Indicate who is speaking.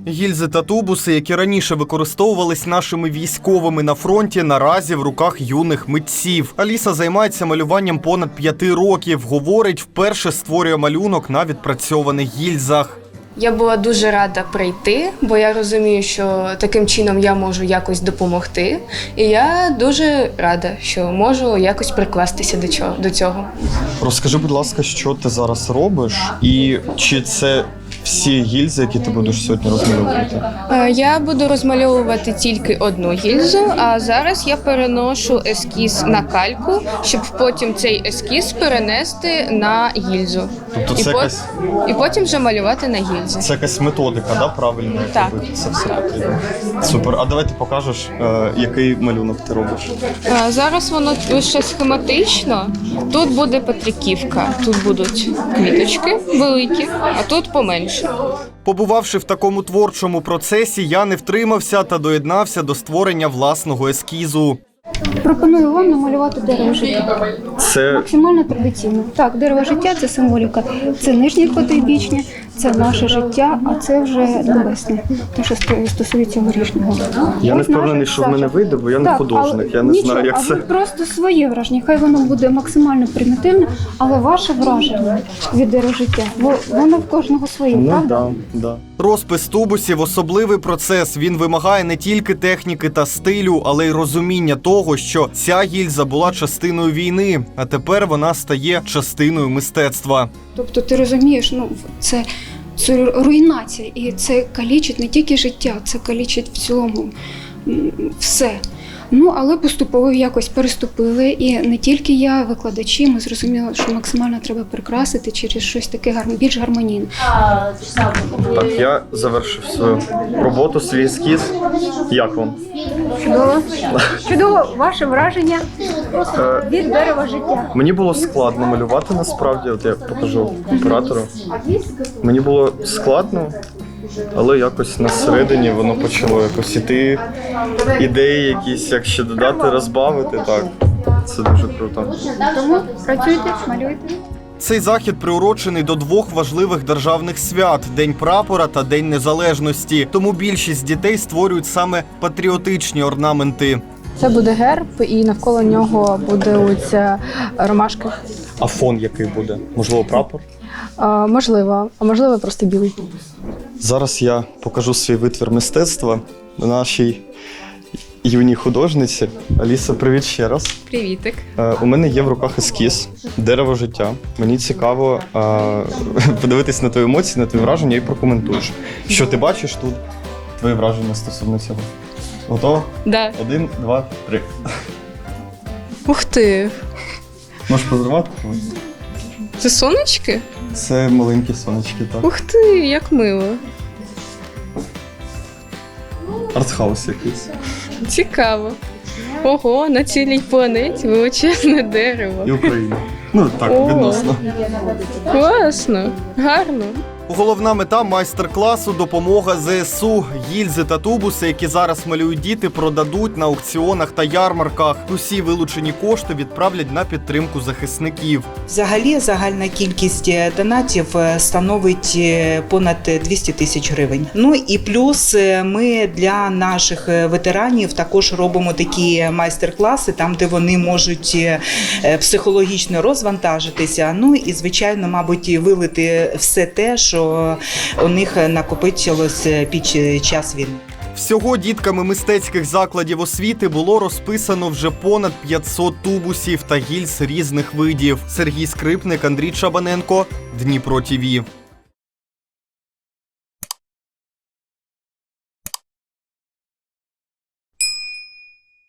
Speaker 1: Гільзи та тубуси, які раніше використовувались нашими військовими на фронті, наразі в руках юних митців. Аліса займається малюванням понад 5 років. Говорить, вперше створює малюнок на відпрацьованих гільзах.
Speaker 2: Я була дуже рада прийти, бо я розумію, що таким чином я можу якось допомогти. І я дуже рада, що можу якось прикластися до цього.
Speaker 1: Розкажи, будь ласка, що ти зараз робиш і чи це всі гільзи, які ти будеш сьогодні розмальовувати?
Speaker 2: Я буду розмальовувати тільки одну гільзу, а зараз я переношу ескіз на кальку, щоб потім цей ескіз перенести на гільзу.
Speaker 1: Тобто
Speaker 2: І потім вже малювати на гільзі.
Speaker 1: Це якась методика, да, правильно?
Speaker 2: Так.
Speaker 1: Це все потрібно. Супер. А давай ти покажеш, який малюнок ти робиш.
Speaker 2: Зараз воно лише схематично. Тут буде Петриківка, тут будуть квіточки великі, а тут поменше.
Speaker 1: Побувавши в такому творчому процесі, я не втримався та доєднався до створення власного ескізу.
Speaker 3: Пропоную вам намалювати дерево життя.
Speaker 1: Це
Speaker 3: Максимально традиційно. Так, дерево життя – це символіка. Це нижнє потойбічне, це наше життя, а це вже небесне, те, що стосується горішнього.
Speaker 1: я не
Speaker 3: Ось
Speaker 1: впевнений,
Speaker 3: наша
Speaker 1: що в мене
Speaker 3: задача.
Speaker 1: вийде, бо я не
Speaker 3: Так,
Speaker 1: художник,
Speaker 3: але
Speaker 1: я не
Speaker 3: нічого,
Speaker 1: знаю, як
Speaker 3: а
Speaker 1: це.
Speaker 3: ви просто своє враження. Хай воно буде максимально примітивне, але ваше враження від дерева життя, воно в кожного своє, правда?
Speaker 1: Да. Розпис тубусів – особливий процес. Він вимагає не тільки техніки та стилю, але й розуміння того, що ця гільза була частиною війни, а тепер вона стає частиною мистецтва.
Speaker 3: Тобто ти розумієш, це руйнація, і це калічить не тільки життя, це калічить в цілому все. Але поступово якось переступили, і не тільки я, викладачі, ми зрозуміли, що максимально треба прикрасити через щось таке більш гармонійне.
Speaker 1: Так, я завершив свою роботу, свій ескіз. Як вам?
Speaker 3: Чудово. Чудово, ваше враження від дерева життя.
Speaker 1: Мені було складно малювати насправді, от я покажу оператору. Мені було складно, але якось на середині воно почало якось іти, ідеї якісь, як ще додати, розбавити, так. Це дуже круто.
Speaker 3: Тому працюйте, малюйте.
Speaker 1: Цей захід приурочений до 2 важливих державних свят – День прапора та День Незалежності. Тому більшість дітей створюють саме патріотичні орнаменти.
Speaker 4: Це буде герб, і навколо нього буде оця ромашка.
Speaker 1: А фон який буде? Можливо, прапор?
Speaker 4: Можливо, а можливо просто білий.
Speaker 1: Зараз я покажу свій витвір мистецтва нашій юній художниці. Аліса, привіт ще раз.
Speaker 2: Привітик.
Speaker 1: У мене є в руках ескіз «Дерево життя». Мені цікаво подивитись на твої емоції, на твої враження і прокоментуєш. Що ти бачиш тут? Твої враження стосовно цього. Готова?
Speaker 2: Да.
Speaker 1: 1, 2, 3.
Speaker 2: Ух ти!
Speaker 1: Можеш позривати?
Speaker 2: Це сонечки?
Speaker 1: Це маленькі сонечки, так.
Speaker 2: Ух ти, як мило.
Speaker 1: Артхаус якийсь.
Speaker 2: Цікаво. Ого, на цілій планеті величезне дерево.
Speaker 1: І Україна. Так,
Speaker 2: О.
Speaker 1: відносно.
Speaker 2: Класно, гарно.
Speaker 1: Головна мета майстер-класу – допомога ЗСУ. Гільзи та тубуси, які зараз малюють діти, продадуть на аукціонах та ярмарках. Усі вилучені кошти відправлять на підтримку захисників.
Speaker 5: Взагалі загальна кількість донатів становить понад 200 тисяч гривень. І плюс ми для наших ветеранів також робимо такі майстер-класи, там де вони можуть психологічно розвантажитися, і звичайно, мабуть, вилити все те, що у них накопичилось під час війни.
Speaker 1: Всього дітками мистецьких закладів освіти було розписано вже понад 500 тубусів та гільз різних видів. Сергій Скрипник, Андрій Чабаненко, Дніпро ТІВІ.